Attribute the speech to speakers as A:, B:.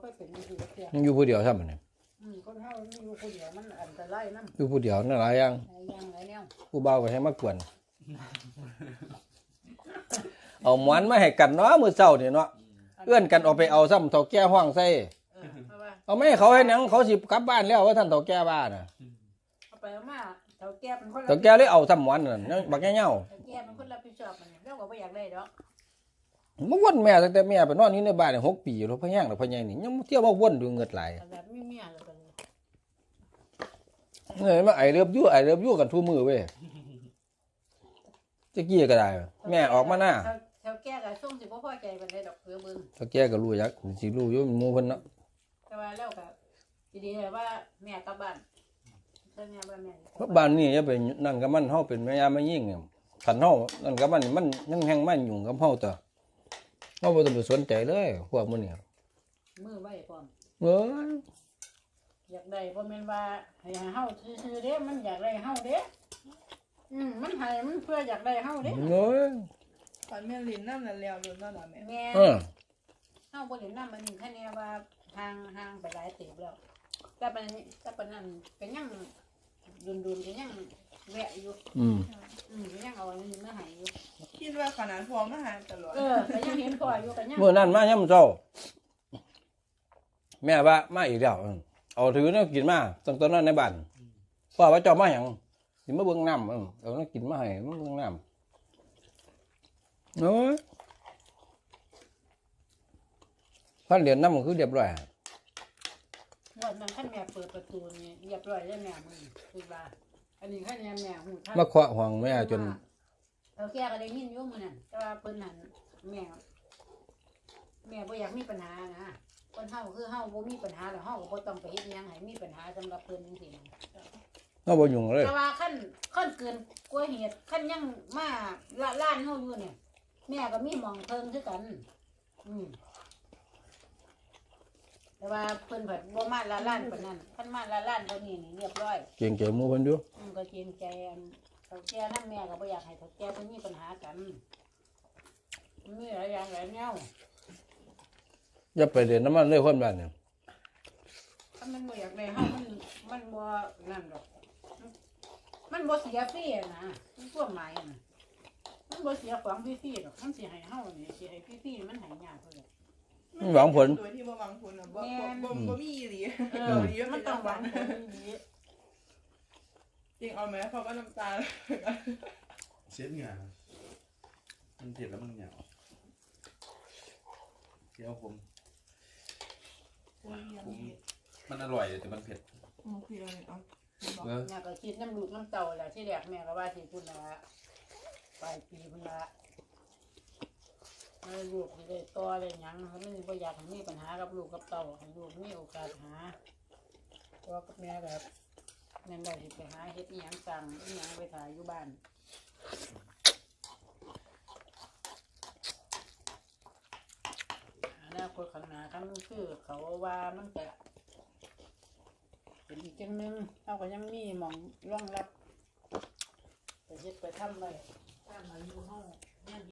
A: ไปเป็นอยู่เดียว
B: มันอยู่ผู้เดียวใช่ไหมเนี่ย
A: คนเฮาอยู่คนเดียวมันอันตรายนำ
B: อยู่ผู้เดียวนั่นหลายอย่าง
A: หลายแนว
B: ผู้บ่าวก็ให้มากวนเอาหมอนมาให้กันเนาะมื้อเช้านี่เนาะเอื้อนกันออกไปเอาซ้ำเฒ่าแก่ห้องใส่เอาไม่ให้เขาให้หนังเขาสิกลับบ้านแล้วว่าท่านเฒ่าแก่บ้านน่ะ
A: เอาไปเอามาเฒ่าแก่เป็นคน
B: เฒ่าแก่เลยเอาซ้ำหมอนนั่นบักแง่เหี่ยว
A: เฒ่าแก่เป็นคนรับผิดชอบมันเราก็บ่อยากได้ดอก
B: มาวนแม่ตั้งแต่แม่ไปนอนอยู่ในบ้าน6 ปีแล้วพ่อแห้งแล้วพ่อใหญ่นี่ยังเที่ยวมาวนอยู่เงิดหลาย
A: แบบมีเมียแล้วกัน
B: เอ้ยมาไอเลิฟยูกันทุกมื้อเว้ยตะกี้ก็ได้แม่ออกมาหน้า
A: เฒ่าแก่ก็ส่งสิบ่พอใจปานใดดอกเพื่อเบิ่ง
B: เฒ่าแก่ก็รู้จักสิรู้อยู่หมู่เพิ่นเนาะ
A: แต่ว่าแล้วก็ดีๆว่าแม่กลับบ้านแต่แม่ว่าแม่
B: เพราะบ้านนี้อย่าไปนั่นกับมันเฮาเป็นแม่ยามแม่ยิ่งเนี่ยคันเฮานั่นกับมันยังแฮงมันยุ่งกับเฮาต่อเฮาบ่ต้องไปสนใจเลยพวกมื้อนี้
A: มือไว้พร้อม
B: เอ้ย
A: อยากได้บ่แม่นว่าให้เฮาซื่อๆเด้มันอยากได้เฮาเด้มันให้มันเพื่ออยากได้เฮาเด้
B: เอ้ย
C: ฝันแม่ลิ้นน้ำนั่นแล้วลุ้นนั่นน่ะแม่
A: แม่
B: เออ
A: เฮาบ่เห็นนำมันแค่นี้ว่าห่างไปหลายเติบแล้วแต่ปานนั้นก็ยังดุนๆก็ยังแวะอยู่ก็ยังเอาอันนี้มาให้อยู่
C: คิดว่าขนาดพอมาหาตลอด
A: ก็ยังเห็นพ่ออยู่ก็ยัง
B: มื้อนั้นมายามเช้าแม่ว่ามาอีกแล้วเอาถือแนวกินมาตั้งแต่นั้นในบ้านพ่อว่าเจ้ามาหยังสิมาเบิ่งน้ำเอาแนวกินมาให้มาเบิ่งน้ำโอ้ยพันเหรียญน้ำมันคือเรียบร้อย
A: วันนั้นคันแม่เปิดประตูนี่เรียบร้อยแล้วแม่มึงคือว่าอันนี้คันแม่ฮู้ทัน
B: มาเคาะห้องแม่จน
A: เอาแก่ก็ได้ยินอยู่มื้อนั้นแต่ว่าเพิ่นนั่นแม่บ่อยากมีปัญหานะคนเฮาคือเฮาบ่มีปัญหาแล้วเฮาก็บ่ต้องไปเฮ็ดหยังให้มีปัญหาสำหรับเพิ่นจังซี่นะ
B: เราบ่ยุ่งเลย
A: แต่ว่าขั้นเกินกว่าเหตุขั้นยังมาล้านเฮาอยู่เนี่ยแม่ก็มีหม่องเพิ่งคือกันแต่ว่าเพิ่นเพิ่นบ่มาล้านปานนั้นขั้นมาล้านเท่านี้นี่เรียบร้อย
B: เก่งเก๋หมู่เพิ่นอยู่
A: ก็เกรงใจอันเขาแก่นำแม่ก็บ่อยากให้เขาแก่เพิ่นมีปัญหากันมีหลายอย่างหลายแนว
B: อย่าไปเรียนน้ำมันเลยคนบ้านเนี่ย
A: ถ้ามันบ่อยากได้เฮามันบ่นั่นดอกมันบ่เสียฟรีนะมันพวกหมายน่ะมันบ่เสียของฟรีๆดอกมันสิให้เฮานี่สิให้ฟรีๆมันให้ยากเพิ่น
B: หวังผล
C: โดยที่บ่หวังผลน่ะบ่มีอีหลี
A: มันต้องหวังผลดี
C: จริงเอาไหมเพราะว่าน้ำตา
D: เช็ดเหงื่อมันเผ็ดแล้วมันเหนียวเคี้ยวผมมันอร่อยแต่มันเผ็ด
C: คืออะไรเอา
A: แม่ก็คิดน้ำลูกน้ำเต่าแหละที่แรกแม่ก็ว่าสิพุ่นละปลายปีพุ่นละลูกสิได้ต่อได้หยังเขาไม่บ่อยากให้มีปัญหากับลูกกับเต่าให้ลูกมีโอกาสหาเพราะกับแม่แบบนั่นได้สิไปหาเฮ็ดอีหยังสั่งอีหยังไปถ่ายอยู่บ้านอนาคตข้างหน้าคันคือเขาว่ามันจะเป็นอีกจังนึงเราก็ยังมีหม่องรองรับไปเฮ็ดไปทำไว้ถ้ามาอยู่ห้องเนี่ย